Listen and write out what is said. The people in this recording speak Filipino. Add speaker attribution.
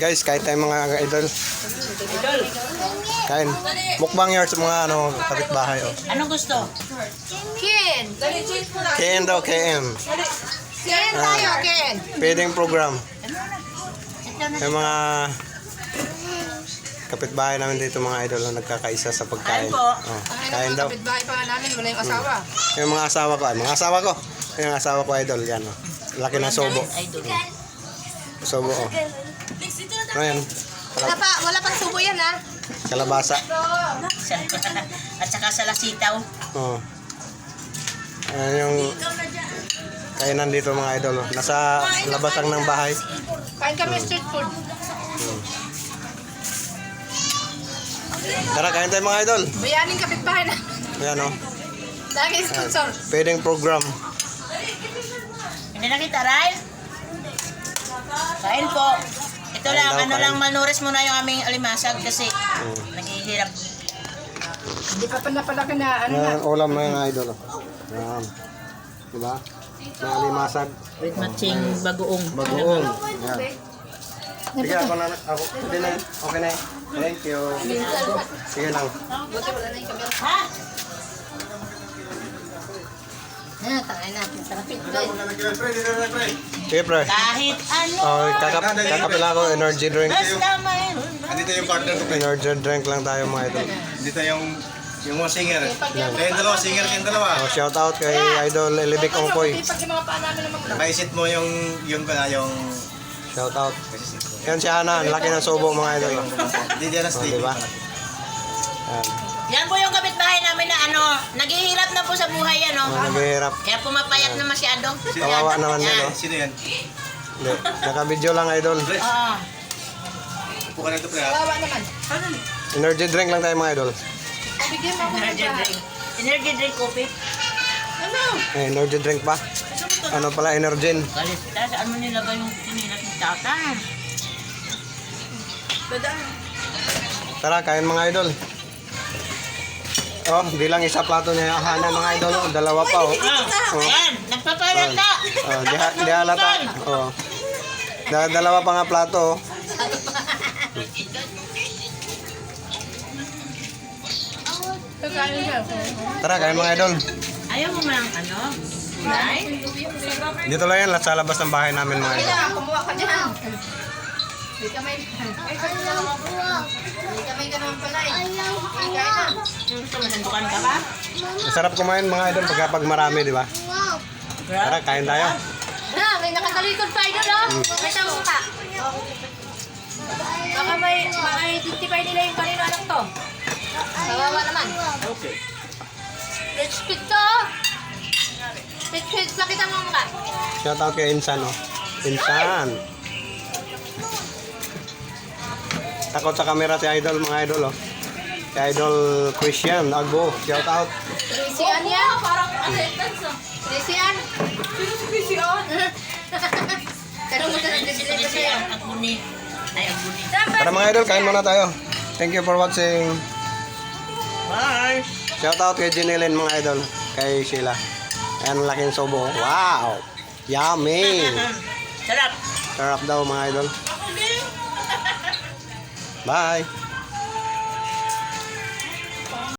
Speaker 1: Guys, kain tayo mga idol. Kain. Mukbang yards mga kapitbahay. Oh.
Speaker 2: Anong gusto?
Speaker 3: Ken!
Speaker 1: Ken daw, Ken.
Speaker 3: Ken tayo, Ken!
Speaker 1: Feeding program. Yung mga kapitbahay namin dito mga idol na nagkakaisa sa pagkain.
Speaker 2: Kain po.
Speaker 1: Oh, kain daw.
Speaker 3: Kapitbahay pa nga namin, wala yung asawa.
Speaker 1: Yung mga asawa ko, yung asawa ko idol, yan oh. Laki ng sobo.
Speaker 2: Idol.
Speaker 1: Sobo oh. Ano yan?
Speaker 3: Wala pang subo yan, ha?
Speaker 1: Kalabasa.
Speaker 2: At saka sa lasitaw.
Speaker 1: Oh. Ayan yung kainan dito mga idol. Oh. Nasa labas lang ng bahay.
Speaker 3: Kain kami street food.
Speaker 1: Tara, kain tayo mga idol.
Speaker 3: Bayaning kapitbahay na.
Speaker 1: Ayan oh.
Speaker 3: Lagi sponsor.
Speaker 1: Feeding program.
Speaker 2: Hindi na kita, Ray? Kain po. Ito
Speaker 1: Kain
Speaker 2: lang,
Speaker 1: daw, kain.
Speaker 2: lang, malnouris muna yung aming alimasag kasi naghihirap.
Speaker 3: Hindi pa palaki na, ano na.
Speaker 1: Ayan, ulam na yung idol. Oh. Ayan. Diba? May alimasag.
Speaker 2: With matching bagoong.
Speaker 1: Bagoong. Ayan. Sige, ako na. Okay na. Okay na. Thank you. Sige lang.
Speaker 3: Buti wala na yung camera.
Speaker 2: Ha?
Speaker 3: Tangay na. Sarapit ko.
Speaker 1: Sige, pre.
Speaker 2: Kahit ano.
Speaker 1: Oh, kakapila ko energy drink.
Speaker 2: Basta mayroon.
Speaker 4: Andito yung partner ko.
Speaker 1: Energy drink lang tayo mga idol.
Speaker 4: Andito yung mga singer. Kayong dalawa, singer kayong dalawa.
Speaker 1: Oh, shout out kay Idol Elibik Ongkoy.
Speaker 3: Pag yung mga paa namin naman.
Speaker 4: Naisit mo yung
Speaker 1: Shout out. Yan si Hana, ang laki ng subo mga idol.
Speaker 4: Hindi dyan na
Speaker 1: Oh,
Speaker 4: sleep.
Speaker 1: diba? Yan.
Speaker 2: Yan po yung kapitbahay namin na naghihirap na po sa buhay
Speaker 1: Oh, naghihirap.
Speaker 2: Kaya pumapayat na masyado.
Speaker 1: Kawawa naman
Speaker 2: Yan.
Speaker 1: nila.
Speaker 4: Sino yan?
Speaker 1: Hindi. Naka-video lang idol.
Speaker 2: Oo.
Speaker 4: Upo ka na ito, pre.
Speaker 3: Kawawa naman.
Speaker 1: Energy drink lang tayo mga idol.
Speaker 3: Bigyan mo ako ng
Speaker 2: Energy drink. Energy drink, coffee.
Speaker 3: Ano?
Speaker 1: Eh, energy drink pa. Ano pala, Energen.
Speaker 2: Galit ka, saan mo nilagay yung tinilas ng tata?
Speaker 1: Tara, kain mga idol. Oh, di lang isa plato niya Hana mga idol. Oh, dalawa pa oh.
Speaker 2: Ayan, nagpapalata.
Speaker 1: Oh, di halata. Oh. Dalawa pa nga plato oh.
Speaker 3: Kakain siya.
Speaker 1: Tara, kain mga idol.
Speaker 2: Ayaw mo mang gulay?
Speaker 1: Dito lang yan, sa labas ng bahay namin mga idol.
Speaker 3: Kaya, kumuha ka dyan. Hindi ka may... Hindi ka may ganun pala eh. Kain na.
Speaker 2: Gusto mo, sandukan ka ba?
Speaker 1: Masarap kumain mga idol pag marami, di ba? Tara, kain tayo.
Speaker 3: Na, may nakatalikod pa idol oh. May tawag ka. Baka may identify nila yung kanino anak to. Kawawa naman.
Speaker 2: Okay.
Speaker 3: Rich pig to oh. Pig, pakita mo ka.
Speaker 1: Shout out kay Insan oh. Insan. Takot sa camera si idol mga idol oh. Si idol Christian Agbo. Shout out.
Speaker 3: Christian yan? Parang attendance oh. Christian? Christian? Kanong mo na nag-deliver
Speaker 2: Kasi
Speaker 3: sa'yo?
Speaker 2: ang aguni. Ay, aguni.
Speaker 1: Tara mga idol, kain muna tayo. Thank you for watching.
Speaker 2: Bye!
Speaker 1: Shout out kay Jinilin mga idol. Kay Sheila. Ayan ang laking sobo. Wow! Yummy!
Speaker 2: Sarap!
Speaker 1: Sarap daw mga idol. Bye!